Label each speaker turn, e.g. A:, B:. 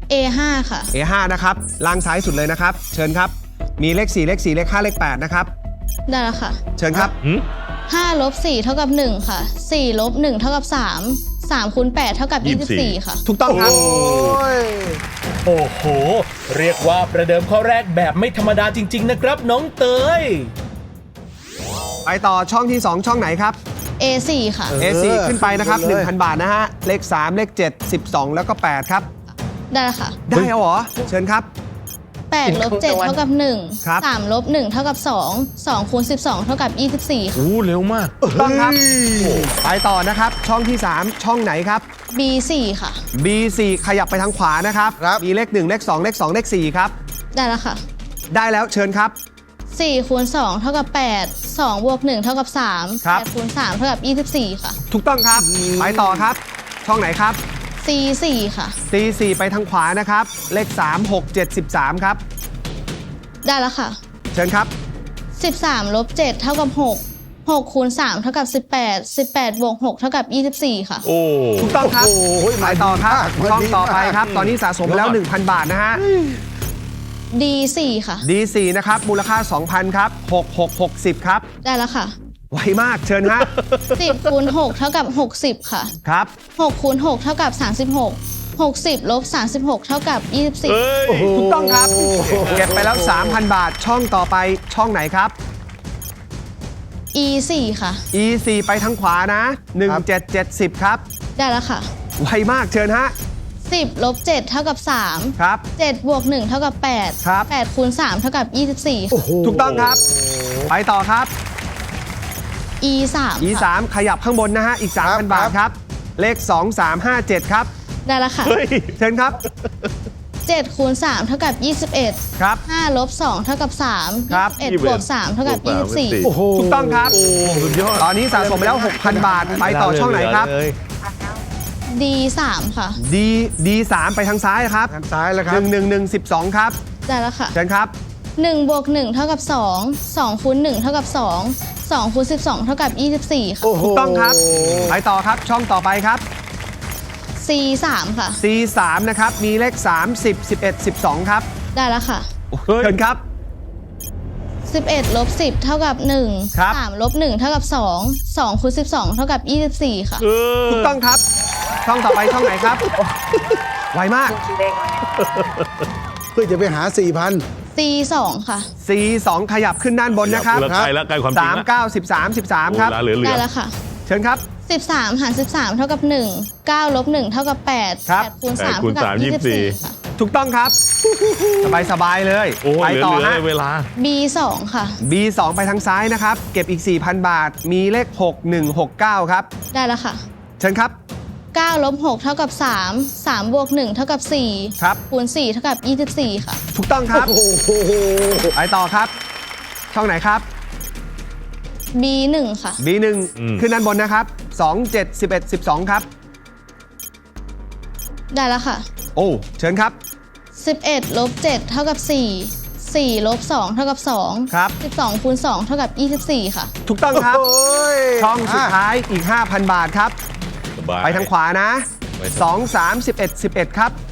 A: A5 ค่ะ
B: A5 นะครับล่างซ้ายสุดเลยนะครับเชิญครับมีเลข4เลข4เลข5เลข8นะครับ
A: ได้แล้วค่ะ
B: เชิญครับ
A: 5 ลบ 4 เท่ากับ 1 ค่ะ 4 ลบ 1 เท่ากับ 3 3 คูณ 8 เท่ากับ 24 ค่ะ
B: ถูกต้องครับ
C: โอ้โหเรียกว่าประเดิมข้อแรกแบบไม่ธรรมดาจริงๆนะครับน้องเตย
B: ไปต่อช่องที่ 2 ช่องไหนครับ
A: A4 ค่ะ
B: A4 ขึ้นไปนะครับ 1,000 บาทนะฮะเลข3เลข7 12แล้วก็8ครับ
A: ได้แล้วค่ะ
B: ได้แล้วเหรอเชิญครับ
A: 8 ลบ 7 เท่ากับ
B: ครับ
A: 1 3 ลบ 1 เท่ากับ 2 2 คูณ 12 เท่ากับ 24 ค่ะ
D: โอ้เร็วมาก
B: ต้องครับไปต่อนะครับช่องที่ 3 ช่องไหนครับ
A: B4 ค่ะ
B: B4 ขยับไปทางขวานะครับมีเลข1เลข2เลข2เลข4ครับ
A: ได้แล้วค่ะ
B: ได้แล้วเชิญครับ
A: 4 คูณ 2 เท่ากับ 8 2 บวก 1 เท่ากับ 3
B: ครับ
A: 8 คูณ 3 เท่ากับ 24 ค่ะ
B: ถูกต้องครับไปต่อครับช่องไหนครับ
A: C4 ค่ะ
B: C4 ไปทางขวานะครับเลข3 6 7 13ครับ
A: ได้แล้วค่ะ
B: เชิญครับ
A: 13 ลบ 7 เท่ากับ 6 6 คูณ 3 เท่ากับ 18 18 บวก 6 เท่ากับ 24 ค่ะ
D: โอ้
B: ถูกต้องครับไปต่อครับช่องต่อไปครับตอนนี้สะสมแล้ว 1,000 บาทนะฮะ
A: D4 ค่ะ
B: D4 นะครับมูลค่า 2,000 ครับ6660ครับ
A: ได้แล้วค่ะ
B: ไวมากเชิญฮะ
A: 10 คูณ 6 เท่ากับ 60 ค่ะ
B: ครับ
A: 6 คูณ 6 เท่ากับ 36 60 ลบ 36 เท่ากับ 24
B: ถูกต้องครับเก็บไปแล้ว 3,000 บาทช่องต่อไปช่องไหนครับ
A: E4 ค่ะ
B: E4 ไปทางขวานะ1770ครับ
A: ได้แล้วค่ะ
B: ไวมากเชิญฮะ
A: 10 ลบ 7 เท่ากับ 3
B: ครับ
A: 7 บวก 1 เท่ากับ 8
B: ครับ
A: 8 คูณ 3 เท่ากับ 24
B: ถูกต้องครับไปต่อครับ
A: E3
B: E3 ขยับข้างบนนะฮะอีก 3,000 บาทครับเลข2357ครับ
A: ได้แล้วค่ะ
B: เชิญครับ
A: 7 คูณ 3 เท่ากับ 21
B: ครับ
A: 5 ลบ 2 เท่ากับ3
B: ครับ
A: 21 บวก 3 เท่ากับ 24
B: ถูกต้องครับตอนนี้สะสมไปแล้ว 6,000 บาทไปต่อช่องไหนครับ
A: D3 ค่ะ
B: D3 ไปทางซ้ายครับ
E: ทางซ้ายแล้วครับ
B: 11112ครับ
A: ได้แล้วค่ะ
B: เชิญครับ
A: 1 บวก 1 เท่ากับ 2 2 คูณ 1 เท่ากับ 2 2 คูณ 12 เท่ากับ 24 ค่ะ
B: ถูกต้องครับไปต่อครับช่องต่อไปครับ
A: C3 ค่ะ
B: C3 นะครับมีเลข30 11 12ครับ
A: ได้แล้วค่ะ
B: เชิญครับ
A: 11 ลบ 10 เท่ากับ 1
B: ครับ
A: 3 ลบ 1 เท่ากับ 2 2 คูณ 12 เท่ากับ 24 ค่ะ
B: ถูกต้องครับช่องต่อไปช่องไหนครับไวมาก
E: เพื่อจะไปหา 4,000
A: C2 ค่ะ
B: C2 ขยับขึ้นด้านบนนะครับ
D: ใกล้แล้วใกล้ความจริงแล้ว
B: 3 9 13 13ครับ
D: เหลือ
A: ได้แล้วค่ะ
B: เชิญครับ
A: 13 หาร 13 เท่ากับ 1 9 ลบ 1 เท่ากับ 8
B: ครับ
A: 8 คูณ 3 เท่ากับ 24 ค่ะ
B: ถูกต้องครับสบายๆเลย
D: โอ้
B: ไป
D: เหลื
B: ต่อ
D: อ
B: ฮะ
D: เวลา
A: B2 ค่ะ
B: B2 ไปทางซ้ายนะครับเก็บอีก 4,000 บาทมีเลข6169ครับ
A: ได้แล้วค่ะ
B: เชิญครับ
A: 9 ลบ 6 เท่ากับ 3 3 บวก 1 เท่ากับ 4
B: ครับ
A: คูณ 4 เท่ากับ 24 ค่ะ
B: ถูกต้องครับไปต่อครับ ช่องไหนครับ
A: B1 ค่ะ
B: B1 ขึ้นด้านบนนะครับ2 7 11 12ครับ
A: ได้แล้วค่ะ
B: โอ้เชิญครับ
A: 11 ลบ 7 เท่ากับ 4 4 ลบ 2 เท่ากับ 2
B: ครับ
A: 12 คูณ 2 เท่ากับ 24 ค่ะ
B: ถูกต้องครับช่องสุดท้ายอีก 5,000 บาทครับ
D: สบาย
B: ไปทางขวานะ2 3 11 11ครับ